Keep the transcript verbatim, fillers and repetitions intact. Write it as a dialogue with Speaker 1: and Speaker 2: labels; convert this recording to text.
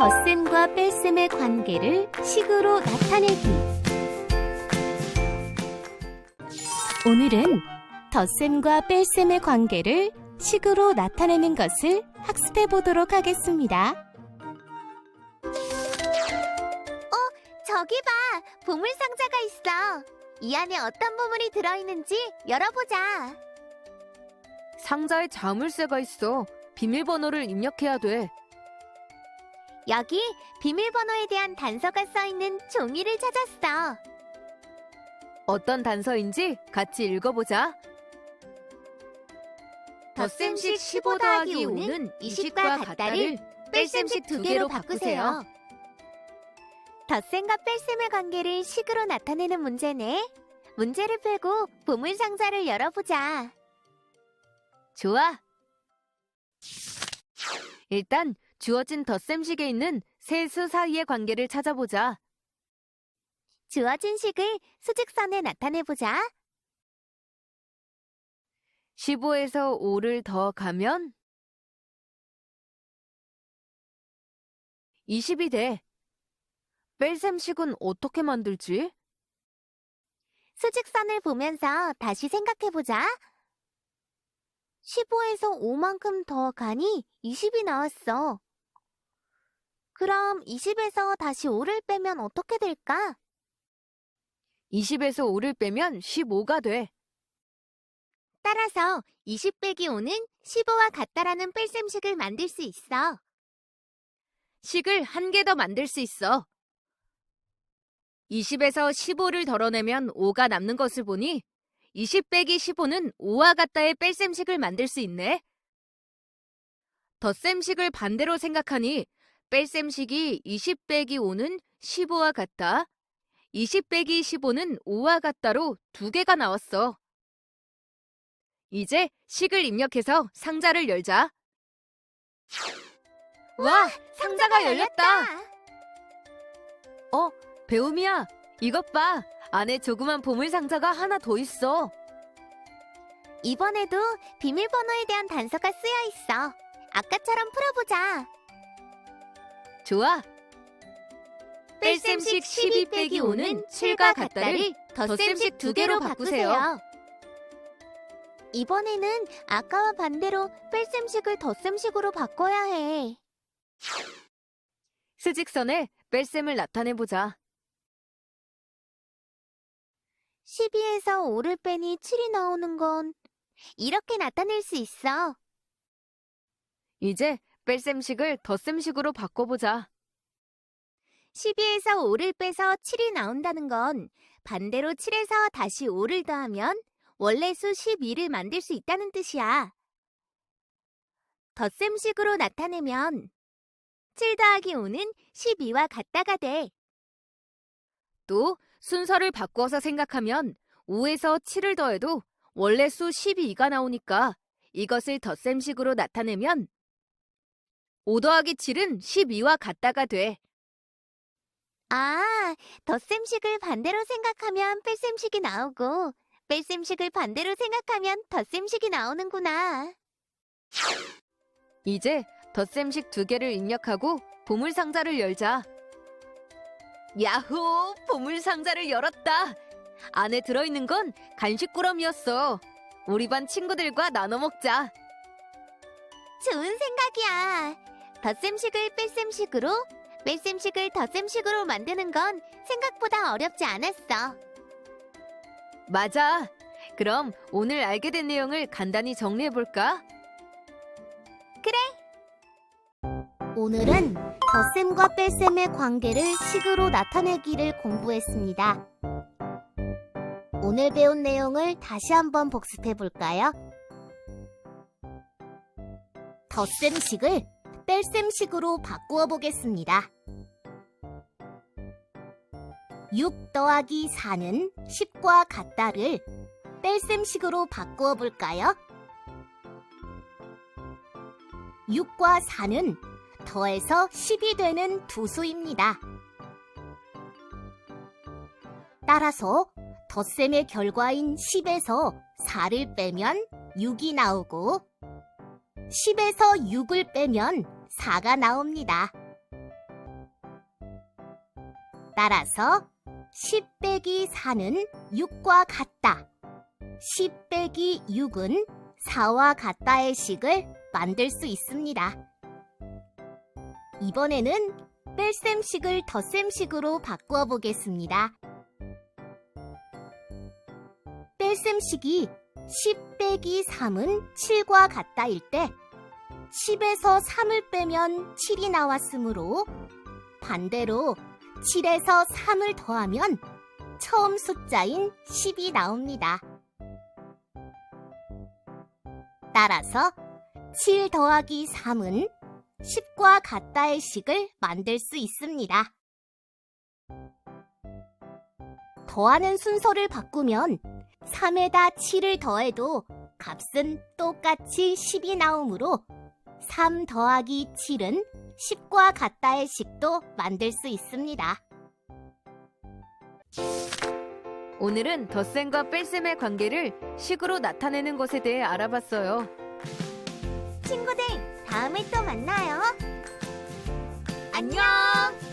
Speaker 1: 덧셈과 뺄셈의 관계를 식으로 나타내기. 오늘은 덧셈과 뺄셈의 관계를 식으로 나타내는 것을 학습해 보도록 하겠습니다.
Speaker 2: 저기 봐! 보물상자가 있어! 이 안에 어떤 보물이 들어있는지 열어보자!
Speaker 3: 상자에 자물쇠가 있어. 비밀번호를 입력해야 돼.
Speaker 2: 여기 비밀번호에 대한 단서가 써있는 종이를 찾았어!
Speaker 3: 어떤 단서인지 같이 읽어보자. 덧셈식 십오 더하기 오는 이십과 같다를 뺄셈식 두 개로 바꾸세요.
Speaker 2: 덧셈과 뺄셈의 관계를 식으로 나타내는 문제네. 문제를 풀고 보물상자를 열어보자.
Speaker 3: 좋아. 일단 주어진 덧셈식에 있는 세 수 사이의 관계를 찾아보자.
Speaker 2: 주어진 식을 수직선에 나타내보자.
Speaker 3: 십오에서 오를 더 가면 이십이 돼. 뺄셈식은 어떻게 만들지?
Speaker 2: 수직선을 보면서 다시 생각해보자. 십오에서 오만큼 더 가니 이십이 나왔어. 그럼 이십에서 다시 오를 빼면 어떻게 될까?
Speaker 3: 이십에서 오를 빼면 십오가 돼.
Speaker 2: 따라서 이십 빼기 오는 십오와 같다라는 뺄셈식을 만들 수 있어.
Speaker 3: 식을 한 개 더 만들 수 있어. 이십에서 십오를 덜어내면 오가 남는 것을 보니 이십 빼기 십오는 오와 같다의 뺄셈식을 만들 수 있네. 덧셈식을 반대로 생각하니 뺄셈식이 이십 빼기 오는 십오와 같다, 이십 빼기 십오는 오와 같다로 두 개가 나왔어. 이제 식을 입력해서 상자를 열자. 와, 상자가 열렸다. 어, 배움이야. 이것 봐. 안에 조그만 보물 상자가 하나 더 있어.
Speaker 2: 이번에도 비밀번호에 대한 단서가 쓰여 있어. 아까처럼 풀어보자.
Speaker 3: 좋아. 뺄셈식 십이 빼기 오는 칠과 같다를 덧셈식 두 개로 바꾸세요.
Speaker 2: 이번에는 아까와 반대로 뺄셈식을 덧셈식으로 바꿔야 해.
Speaker 3: 수직선에 뺄셈을 나타내보자.
Speaker 2: 십이에서 오를 빼니 칠이 나오는 건 이렇게 나타낼 수 있어.
Speaker 3: 이제 뺄셈식을 덧셈식으로 바꿔보자.
Speaker 2: 십이에서 오를 빼서 칠이 나온다는 건 반대로 칠에서 다시 오를 더하면 원래 수 십이를 만들 수 있다는 뜻이야. 덧셈식으로 나타내면 칠 더하기 오는 십이와 같다가 돼.
Speaker 3: 또 순서를 바꿔서 생각하면 오에서 칠을 더해도 원래 수 십이가 나오니까 이것을 덧셈식으로 나타내면 오 더하기 칠은 십이와 같다가 돼.
Speaker 2: 아, 덧셈식을 반대로 생각하면 뺄셈식이 나오고 뺄셈식을 반대로 생각하면 덧셈식이 나오는구나.
Speaker 3: 이제 덧셈식 두 개를 입력하고 보물 상자를 열자. 야호! 보물 상자를 열었다. 안에 들어있는 건 간식 꾸러미였어. 우리 반 친구들과 나눠 먹자.
Speaker 2: 좋은 생각이야. 덧셈식을 뺄셈식으로, 뺄셈식을 덧셈식으로 만드는 건 생각보다 어렵지 않았어.
Speaker 3: 맞아. 그럼 오늘 알게 된 내용을 간단히 정리해볼까?
Speaker 1: 오늘은 덧셈과 뺄셈의 관계를 식으로 나타내기를 공부했습니다. 오늘 배운 내용을 다시 한번 복습해 볼까요? 덧셈식을 뺄셈식으로 바꾸어 보겠습니다. 육 더하기 사는 십과 같다를 뺄셈식으로 바꾸어 볼까요? 육과 사는 더해서 십이 되는 두 수입니다. 따라서 덧셈의 결과인 십에서 사를 빼면 육이 나오고 십에서 육을 빼면 사가 나옵니다.
Speaker 2: 따라서 십 빼기 사는 육과 같다. 십 빼기 육은 사와 같다의 식을 만들 수 있습니다. 이번에는 뺄셈식을 덧셈식으로 바꾸어 보겠습니다. 뺄셈식이 십 빼기 삼은 칠과 같다일 때 십에서 삼을 빼면 칠이 나왔으므로 반대로 칠에서 삼을 더하면 처음 숫자인 십이 나옵니다. 따라서 칠 더하기 삼은 십과 같다의 식을 만들 수 있습니다. 더하는 순서를 바꾸면 삼에다 칠을 더해도 값은 똑같이 십이 나오므로 삼 더하기 칠은 십과 같다의 식도 만들 수 있습니다.
Speaker 3: 오늘은 덧셈과 뺄셈의 관계를 식으로 나타내는 것에 대해 알아봤어요.
Speaker 2: 친구들, 다음에 또 만나요.
Speaker 3: 안녕!